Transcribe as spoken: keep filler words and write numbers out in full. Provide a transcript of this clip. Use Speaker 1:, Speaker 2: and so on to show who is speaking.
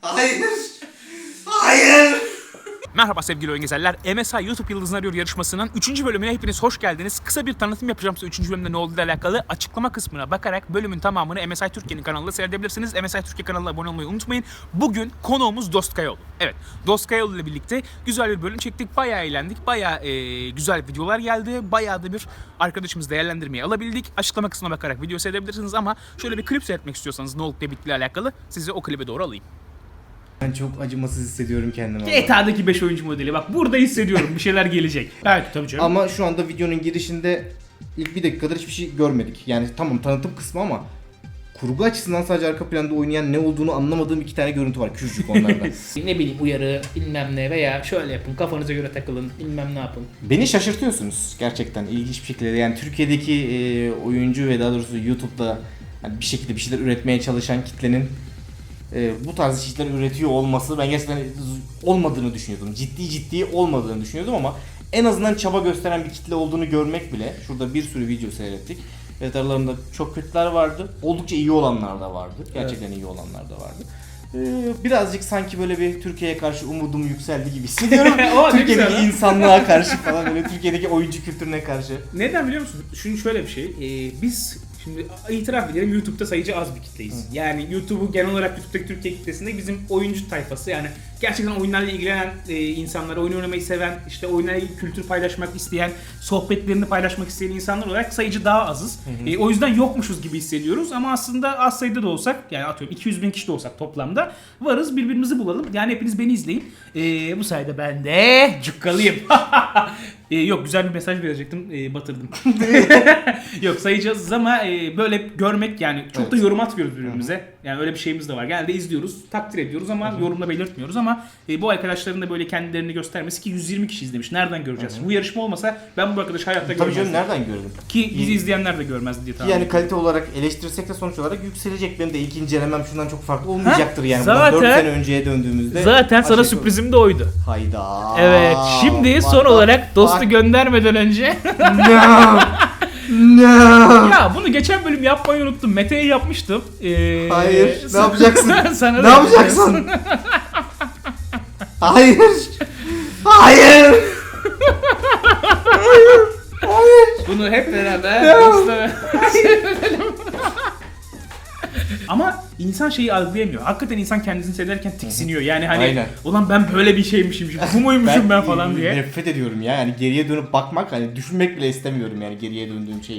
Speaker 1: Hayır. Hayır.
Speaker 2: Merhaba sevgili oyun gezerler. M S I YouTube Yıldızını Arıyor yarışmasının üçüncü bölümüne hepiniz hoş geldiniz. Kısa bir tanıtım yapacağım size üçüncü bölümde ne olduğuyla alakalı. Açıklama kısmına bakarak bölümün tamamını M S I Türkiye'nin kanalında seyredebilirsiniz. M S I Türkiye kanalına abone olmayı unutmayın. Bugün konuğumuz Dost Kayaoğlu. Evet, Dost Kayaoğlu ile birlikte güzel bir bölüm çektik. Bayağı eğlendik. Bayağı e, güzel videolar geldi. Bayağı da bir arkadaşımız değerlendirmeyi alabildik. Açıklama kısmına bakarak video seyredebilirsiniz ama şöyle bir klip seyretmek istiyorsanız ne olup ne bittiğiyle alakalı sizi o klibe doğru alayım.
Speaker 1: Ben çok acımasız hissediyorum kendimi.
Speaker 2: G T A'daki beş oyuncu modeli. Bak burada hissediyorum bir şeyler gelecek. Evet tabii canım.
Speaker 1: Ama şu anda videonun girişinde ilk bir dakikadır hiçbir şey görmedik. Yani tamam tanıtım kısmı ama kurgu açısından sadece arka planda oynayan ne olduğunu anlamadığım iki tane görüntü var. Küçücük onlardan.
Speaker 2: Ne bileyim uyarı bilmem ne veya şöyle yapın kafanıza göre takılın bilmem ne yapın.
Speaker 1: Beni şaşırtıyorsunuz gerçekten ilginç bir şekilde. Yani Türkiye'deki e, oyuncu ve daha doğrusu YouTube'da yani bir şekilde bir şeyler üretmeye çalışan kitlenin e, bu tarz şeyler üretiyor olması ben gerçekten olmadığını düşünüyordum. Ciddi ciddi olmadığını düşünüyordum ama en azından çaba gösteren bir kitle olduğunu görmek bile. Şurada bir sürü video seyrettik. Evet, aralarında çok kötüler vardı. Oldukça iyi olanlar da vardı. Gerçekten evet. iyi olanlar da vardı. Ee, birazcık sanki böyle bir Türkiye'ye karşı umudum yükseldi gibi hissediyorum. Türkiye'deki insanlığa karşı falan böyle Türkiye'deki oyuncu kültürüne karşı.
Speaker 2: Neden biliyor musun? Şimdi şöyle bir şey. Ee, biz şimdi itiraf edelim YouTube'da sayıcı az bir kitleyiz. Hı. Yani YouTube'u genel olarak YouTube'daki Türkiye kitlesinde bizim oyuncu tayfası yani gerçekten oyunlarla ilgilenen e, insanlar, oyun oynamayı seven, işte oyunlarla ilgili kültür paylaşmak isteyen, sohbetlerini paylaşmak isteyen insanlar olarak sayıcı daha azız. Hı hı. E, o yüzden yokmuşuz gibi hissediyoruz ama aslında az sayıda da olsak yani atıyorum iki yüz bin kişi de olsak toplamda varız, birbirimizi bulalım. Yani hepiniz beni izleyin. E, bu sayede ben de cukkalıyım. e, yok güzel bir mesaj verecektim, e, batırdım. Yok sayacağız ama e, böyle görmek yani çok evet. da yorum atmıyoruz birbirimize. Hı-hı. Yani öyle bir şeyimiz de var. Genelde izliyoruz, takdir ediyoruz ama Hı-hı. yorumla belirtmiyoruz ama e, bu arkadaşların da böyle kendilerini göstermesi ki yüz yirmi kişi izlemiş. Nereden göreceğiz? Hı-hı. Bu yarışma olmasa ben bu arkadaşı hayatta
Speaker 1: Tabii
Speaker 2: görmezdim.
Speaker 1: Tabii canım nereden gördüm?
Speaker 2: Ki bizi izleyenler de görmez diye tahmin
Speaker 1: Yani kalite olarak eleştirsek de sonuç olarak yükselecek. Benim de ilk incelemem şundan çok farklı olmayacaktır ha? yani. Zaten, dört sene önceye döndüğümüzde.
Speaker 2: Zaten sana sürprizim de oydu.
Speaker 1: Hayda.
Speaker 2: Evet. Şimdi son bak, olarak dostu bak. göndermeden önce.
Speaker 1: No. No.
Speaker 2: Ya bunu geçen bölüm yapmayı unuttum. Mete'ye yapmıştım. Ee,
Speaker 1: Hayır. Ne yapacaksın?
Speaker 2: Sana
Speaker 1: ne yapacaksın? Hayır. Hayır. Hayır. Hayır.
Speaker 2: Bunu hep beraber dostlar. Ama insan şeyi algılayamıyor. Hakikaten insan kendisini seyrederken tiksiniyor. Yani hani Aynen. ulan ben böyle bir şeymişim, bu muymuşum ben, ben falan diye.
Speaker 1: Nefret ediyorum ya. Yani geriye dönüp bakmak, hani düşünmek bile istemiyorum yani geriye döndüğüm şeyi.